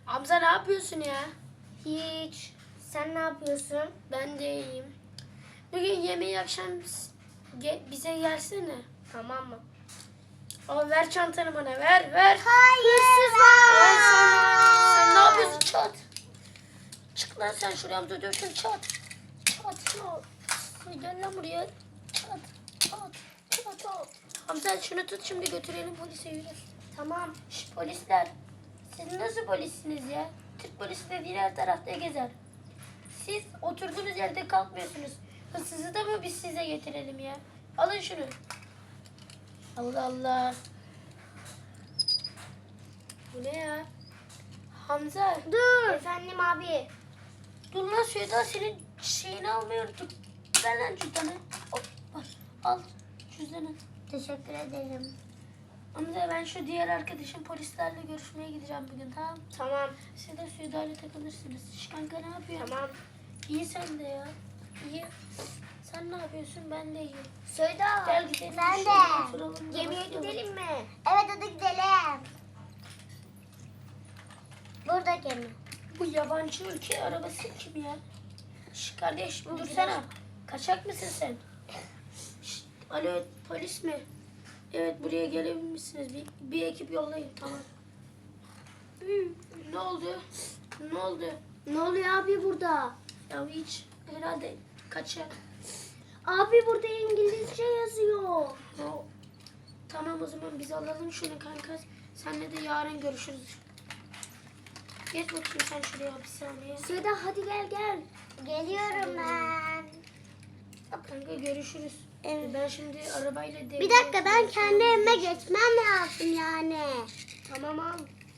Hamza ne yapıyorsun ya? Hiç. Sen ne yapıyorsun? Ben de iyiyim. Bugün yemeği akşam bize gelsene. Tamam mı? Ama ver çantanı bana, ver. Hayır. Sen ne yapıyorsun çat? Çık lan sen şuraya, Hamza diyorsun çat. Çat. Gel lan buraya. Çat. Hamza şunu tut, şimdi götürelim polise, yürü. Tamam. Şş, polisler. Siz nasıl polissiniz ya? Türk polisi dediğin her tarafta gezer. Siz oturduğunuz yerde kalkmıyorsunuz. Hırsızı da mı biz size getirelim ya? Alın şunu. Allah Allah. Bu ne ya? Hamza. Dur. Efendim abi. Dur lan Süheyda, senin şeyini almayı unuttum. Ver lan cüzdanı. Hop, al cüzdanı. Teşekkür ederim. Hamza, ben şu diğer arkadaşım polislerle görüşmeye gideceğim bugün, tamam? Tamam. Siz de Süheyda'yla takılırsınız. Şş, kanka ne yapıyorsun? Tamam. İyi sen de ya. İyi. Sen ne yapıyorsun? Ben de iyiyim. Söyle. Gel gidelim. Ben Şöyle de. oturalım da Yemeğe başlayalım. gidelim mi? Evet hadi gidelim. Burada gemi. Bu yabancı ülke arabası kim ya? Şş, kardeş dursana. Kaçak mısın sen? Şş, alo, polis mi? Evet, buraya gelebilir misiniz? Bir ekip yollayın, tamam. Ne oldu? Ne oluyor abi burada? Ya hiç herhalde kaçak. Abi burada İngilizce yazıyor. O, tamam, o zaman biz alalım şunu kanka. Senle de yarın görüşürüz. Geç bakayım sen şuraya bir saniye. Söyle hadi gel. Geliyorum ben. Kanka görüşürüz. Ben şimdi arabayla devreye... Bir dakika ben kendi evime geçmem lazım yani. Tamam al.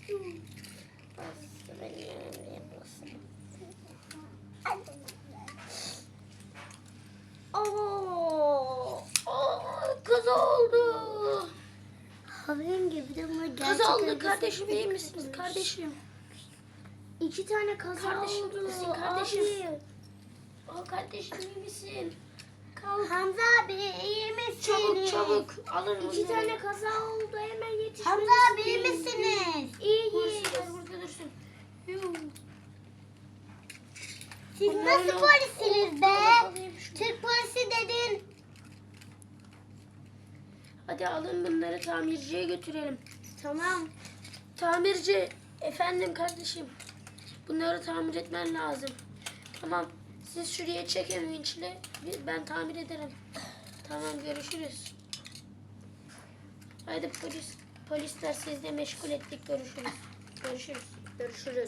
Oo. Kaza oldu. Havayım gibi de bunu gerçek Kaza oldu arabası kardeşim, iyi gibi misiniz yapmış. kardeşim? 2 tane kaza Kardeşim, oldu. misin kardeşim? Abi. Kardeşim iyi misin? Kalk. Hamza abi iyi misiniz? Çabuk. Alın 2 bunları. tane kaza oldu hemen yetişmeniz. Hamza abi iyi misiniz? İyiyiz. Burada dursun. Yuh. Siz Bunları nasıl al. polisiniz be? Alayım şunu. Türk polisi dedin. Hadi alın bunları, tamirciye götürelim. Tamam. Tamirci, efendim kardeşim. Bunları tamir etmen lazım. Tamam, siz şuraya çekin vinçle. Ben tamir ederim. Tamam, görüşürüz. Haydi polisler, siz de meşgul ettik. Görüşürüz.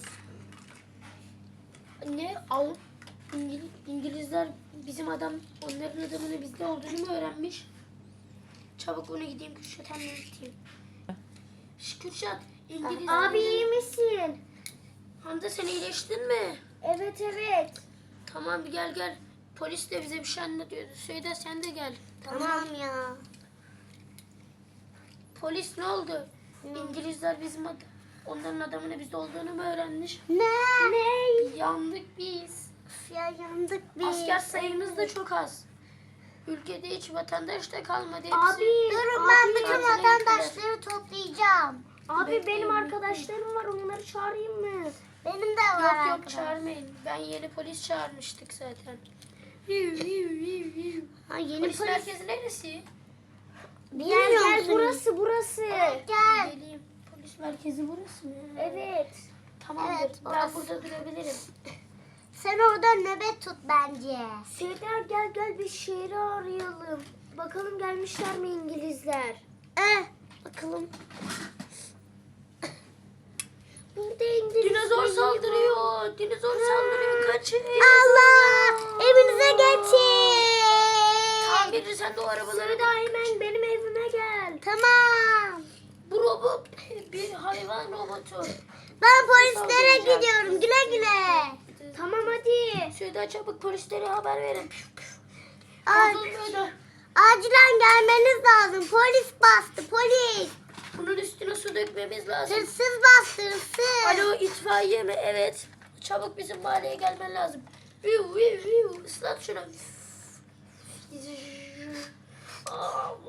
Ne? İngilizler bizim onların adamının bizde olduğunu mu öğrenmiş? Çabuk onu gideyim Kürşat, hemen gideyim. Kürşat, İngilizler... Abi iyi misin? Hamza, sen iyileştin mi? Evet. Tamam, gel. Polis de bize bir şey anlatıyordu. Söyle, sen de gel. Tamam ya. Polis ne oldu? İngilizler onların adamının bizde olduğunu mu öğrenmiş? Ne? Yandık biz. Ya yandık biz. Asker sayımız da çok az. Ülkede hiç vatandaş da kalmadı. Hepsi Abi, Durun ben Abi, bütün tatile vatandaşları toplayacağım. Abi Bekleyin, benim bekleyin. arkadaşlarım var onları çağırayım mı? Benim de var Yok arkadaş. çağırmayın. Ben yeni polis çağırmıştık zaten. Ha, yeni Polis polis. merkezi neresi? Bilmiyor Gel musunuz? burası. Gel. Geleyim. Polis merkezi burası mı? Evet. Tamamdır. Evet, ben orası. burada durabilirim. Sen orada nöbet tut bence. Seyder gel bir şehri arayalım. Bakalım gelmişler mi İngilizler? Bakalım. Burada İngiliz. Dinozor saldırıyor. Kaçın. Allah! Evinize geçin. Tamirci, sen de o arabalara Seyder bak. hemen benim evime gel. Tamam. Bu robot bir hayvan robotu. Ben polislere gidiyorum. Güle güle. Tamam hadi. Şöyle çabuk polislere haber verin. Ay, Bozulmuyor. acilen gelmeniz lazım. Polis bastı. Polis. Bunun üstüne su dökmemiz lazım. Hırsız bastı. Hırsız. Alo, itfaiye mi? Evet. Çabuk bizim mahalleye gelmen lazım. Islat şunu.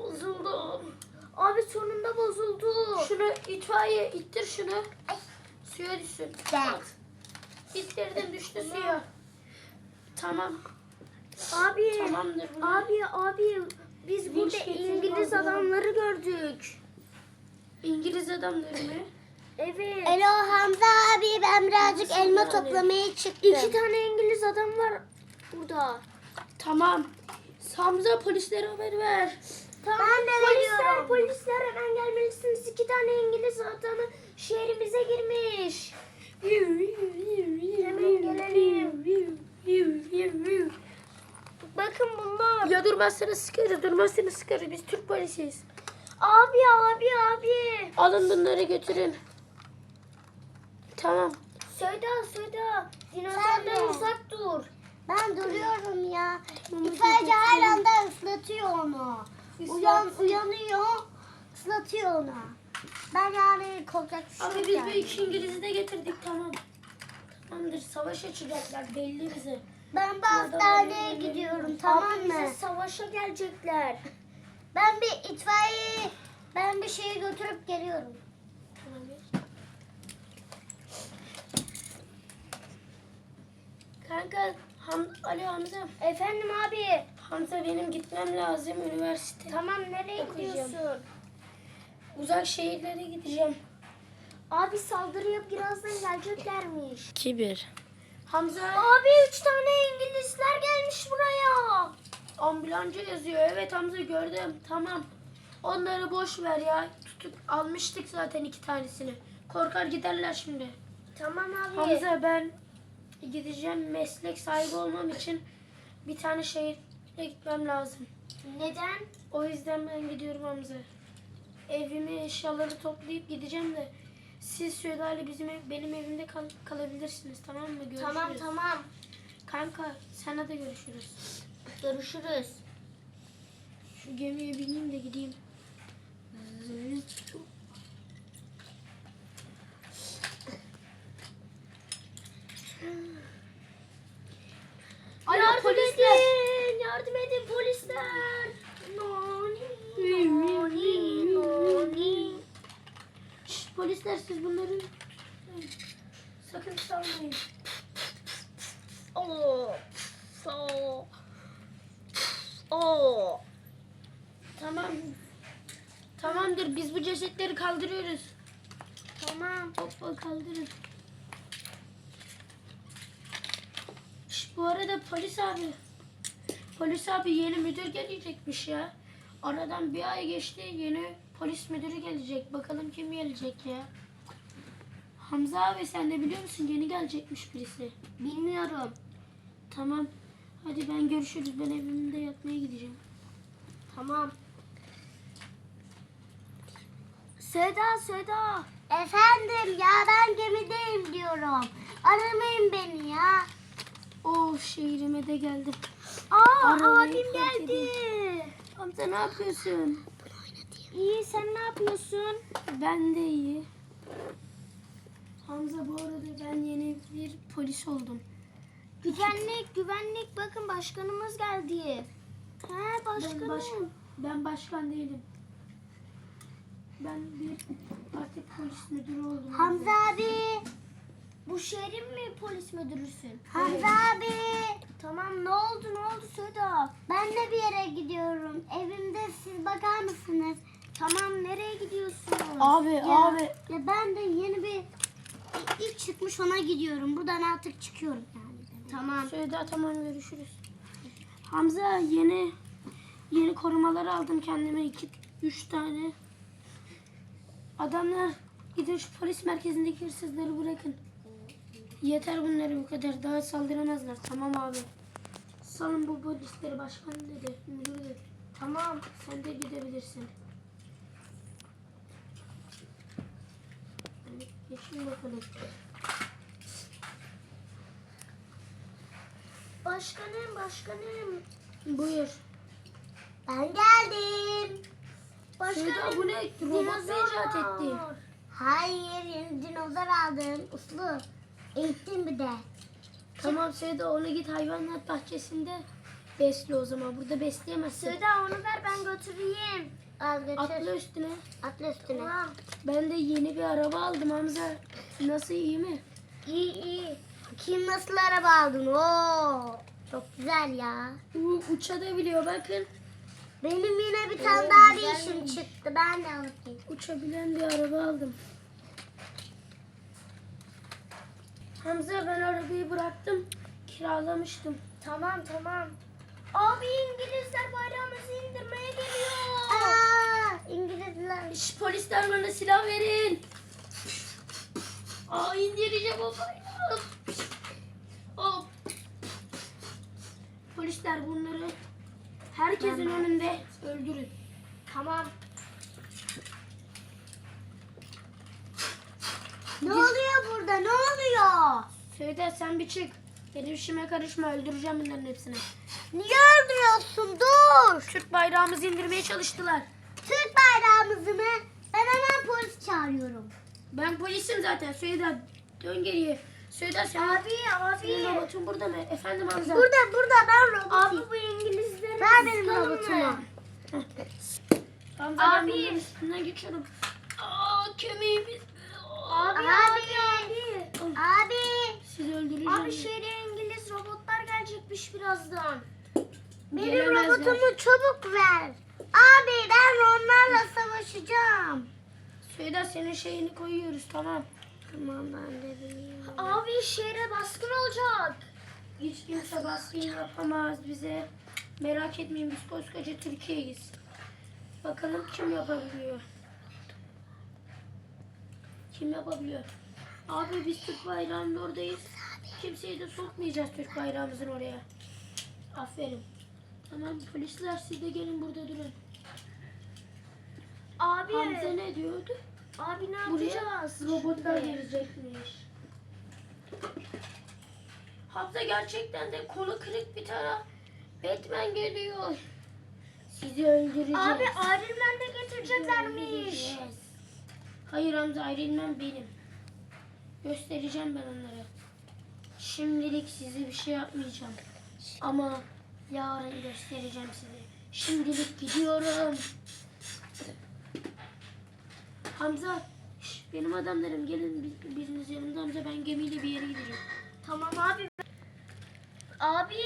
Bozuldum. Abi sonunda bozuldu. Şunu itfaiye ittir şunu. Suya düşsün. Ben. Bitirdim düştü suya. Tamam. Abi. Tamamdır bunlar. Abi biz Vinç burada getirin, İngiliz kaldıralım. adamları gördük. İngiliz adamları mı? Evet. Alo Hamza abi, ben birazcık Nasıl elma yani? toplamaya çıktım. 2 tane İngiliz adam var burada. Tamam. Hamza polislere haber ver. Tamam. Ben de veriyorum. Polisler hemen gelmelisiniz. 2 tane İngiliz adamı şehrimize girmiş. Hemen gelelim. Bakın bunlar. Ya durmazsanız sıkarız, durmazsanız sıkarız. Biz Türk polisiyiz. Abi. Alın bunları götürün. Tamam. Söyle. Dinozordan de. uzak dur. Ben duruyorum ya. Tamam, İtfaiyeci hadi her anda ıslatıyor onu. Islat. Uyanıyor, ıslatıyor onu. Ben yani korkak bir şey Abi yok biz yani. bu iki İngiliz'i de getirdik, tamam. Tamamdır, savaş açacaklar belli bize. Ben bir hastaneye gidiyorum, tamam Abi bize mı? savaşa gelecekler. Ben bir itfaiye, ben bir şeyi götürüp geliyorum. Kanka, Alo Hamza. Efendim abi. Hamza benim gitmem lazım üniversite. Tamam nereye Okuyacağım. gidiyorsun? Uzak şehirlere gideceğim. Abi saldırıya birazdan geleceklermiş. Kibir. Hamza Abi 3 tane İngilizler gelmiş buraya. ambulancı yazıyor. Evet Hamza gördüm. Tamam. Onları boş ver ya. Almıştık zaten 2 tanesini. Korkar giderler şimdi. Tamam abi. Hamza ben gideceğim, meslek sahibi olmam için bir tane şehire gitmem lazım. Neden? O yüzden ben gidiyorum Hamza. Evimi, eşyaları toplayıp gideceğim de siz Süheyda ile benim evimde kalabilirsiniz, tamam mı? Görüşürüz. Tamam. Kanka sana da görüşürüz. Görüşürüz. Şu gemiye bineyim de gideyim. Alo Yardım polisler. edin. Yardım edin polisler. Noni. Şşt, polisler siz bunları sakın salmayın. Tamam. Tamamdır, biz bu cesetleri kaldırıyoruz. Tamam. Hoppa kaldırın. Şşt, bu arada polis abi yeni müdür gelecekmiş ya. Aradan bir ay geçti, yeni polis müdürü gelecek. Bakalım kim gelecek ya. Hamza abi sen de biliyor musun, yeni gelecekmiş birisi. Bilmiyorum. Tamam. Hadi ben görüşürüz. Ben evimde yatmaya gideceğim. Tamam. Seda. Efendim ya, ben gemideyim diyorum. Aramayın beni ya. Oh, şehrime de geldim. Abim fark geldi. Hamza ne yapıyorsun? İyi sen ne yapıyorsun? Ben de iyi. Hamza bu arada ben yeni bir polis oldum. Güvenlik bakın başkanımız geldi. He başkanım. Ben başkan değilim. Ben bir artık polis müdürü oldum. Hamza abi, Bu şehrin mi polis müdürüsün? Hamza abi. Tamam ne oldu Seda? Ben de bir yere gidiyorum. Evimde siz bakar mısınız? Tamam nereye gidiyorsun? Abi Ya ben de yeni bir ilk çıkmış ona gidiyorum. Buradan artık çıkıyorum yani. Tamam. Söyle tamam, görüşürüz. Hamza yeni korumalar aldım kendime, 2-3 tane. Adamlar gidin şu polis merkezindeki hırsızları bırakın. Yeter bunları bu kadar, daha saldıramazlar. Tamam abi. Salın bu polisleri, başkan dedi, müdür dedi. Tamam, sen de gidebilirsin. Hadi geçin bakalım. Başkanım. Buyur. Ben geldim. Söyle bu ne? Robot icat etti. Hayır, yeni dinozor aldım. Uslu. Eğittim bir de. Tamam Seda, onu git hayvanat bahçesinde besle o zaman. Burada besleyemezsin. Seda onu ver ben götüreyim. Al götür. Atla üstüne. Atla üstüne. Tamam. Ben de yeni bir araba aldım Hamza. Nasıl, iyi mi? İyi iyi. Kim nasıl araba aldın? Oo, çok güzel ya. Uçabiliyor bakın. Benim yine bir tane Oo, daha bir güzelmiş. işim çıktı. Ben de alıp geleyim. Uçabilen bir araba aldım. Hamza, ben arabayı bıraktım. Kiralamıştım. Tamam. Abi İngilizler bayrağımızı indirmeye geliyor. Aa, İngilizler. Şş, polisler, bana silah verin. İndireceğim o bayrağı. Hop. Polisler, bunları herkesin önünde öldürün. Tamam. Ne oluyor burada? Ne oluyor? Söyle, sen bir çık. Benim işime karışma, öldüreceğim bunların hepsini. Niye öldürüyorsun? Dur. Türk bayrağımızı indirmeye çalıştılar. Türk bayrağımızı mı? Ben hemen polis çağırıyorum. Ben polisim zaten. Söyle, dön geriye. Söyle, sen. Senin robotun burada mı? Efendim Hamza. Burada ben robotum. Abi bu İngilizleri Ver benim sıkalım robotumu. mı? Hamza, ben Abi. bunların üstünden geçiyorum. Kemiğimiz. Abi. Sizi öldüreceğim. Abi şehre İngiliz robotlar gelecekmiş birazdan. Benim Gelemezler. robotumu çabuk ver. Abi ben onlarla savaşacağım. Söyle, senin şeyini koyuyoruz, tamam. Tamam ben de bilmiyorum. Abi şehre baskın olacak. Hiç kimse baskın yapamaz bize. Merak etmeyin, biz koskoca Türkiye'yiz. Bakalım kim yapabiliyor. Kim yapabiliyor? Abi, biz Türk bayrağının oradayız. Kimseyi de sokmayacağız Türk bayrağımızın oraya. Aferin. Tamam, polisler siz de gelin burada durun. Abi. Hamza ne diyordu? Abi ne Buraya yapacağız? robotlar gelecekmiş. Hamza, gerçekten de kolu kırık bir tane Batman geliyor. Sizi öldüreceğiz. Abi Iron Man de getireceklermiş. Öldüreceğiz. Hayır Hamza, Iron Man benim. Göstereceğim ben onlara. Şimdilik size bir şey yapmayacağım. Ama yarın göstereceğim size. Şimdilik gidiyorum. Hamza, benim adamlarım gelin, biriniz yanımda. Hamza, ben gemiyle bir yere gideceğim. Tamam abi. Abi.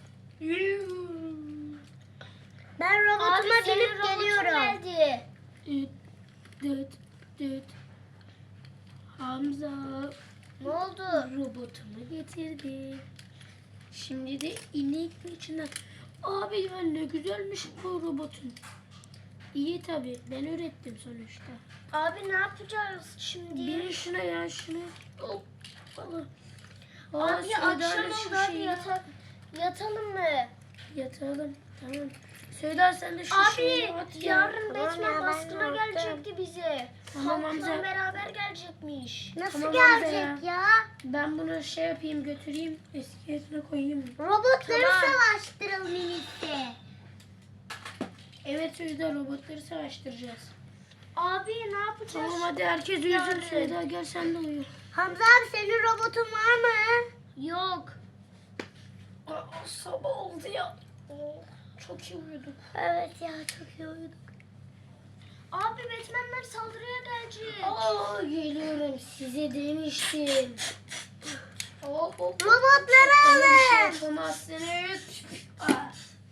Ben robotuma Abi senin binip robotun geliyorum. geldi. Düt, düt, düt. Hamza, Ne oldu? robotumu getirdim. Şimdi de inek içinden. Abi ya, ne güzelmiş bu robotun. İyi tabi, ben ürettim sonuçta. Abi ne yapacağız şimdi? Biri şuna ya, şuna. Hop falan. Abi Söyle, akşam şu oldu, hadi şeyi- yatalım mı? Yatalım, tamam. Söyle, sen de şu Abi şeyi at ya. yarın Tamam Batman ya, ben baskına yattım. gelecekti bize. Tamam Halkla Hamza. beraber gelecekmiş. Nasıl Tamam Hamza gelecek ya? Ben bunu şey yapayım, götüreyim, eski yerine koyayım. Robotları Tamam. savaştıralım en iyisi. Evet, Söyle, robotları savaştıracağız. Abi ne yapacağız? Tamam, hadi herkes uyusun. Yarın. Söyle, gel sen de uyu. Hamza abi senin robotun var mı? Yok. Sabah oldu ya. Çok iyi uyuduk. Evet ya çok iyi uyuduk. Abi Batman'ler saldırıya gelecek. Geliyorum, size demiştim. Robotları Bana bir şey alın. yapamazsınız. Ah.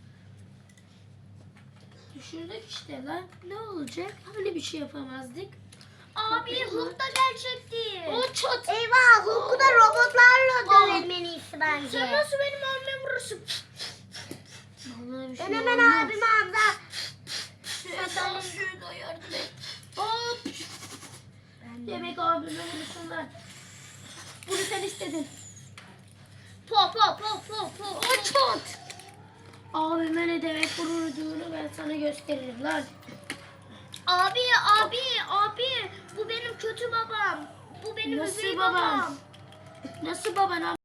Düşürdük işte lan. Ne olacak? Hani bir şey yapamazdık. Abi Hulk da gelecekti. O çat. Eyvah Hulk'u da robotlarla dövelim en iyisi bence. Sen nasıl benim abime vurursun? Vallahi bir şey Ben hemen olmaz. abimi Hamza. Şurada yardım et. Hop. Demek abime vurursunlar. Bunu sen istedin. Po po po po po. O çat. Abime ne demek vururduğunu ben sana gösteririm lan. Abi bu benim kötü babam. Bu benim Nasıl üvey babam? babam. Nasıl baban?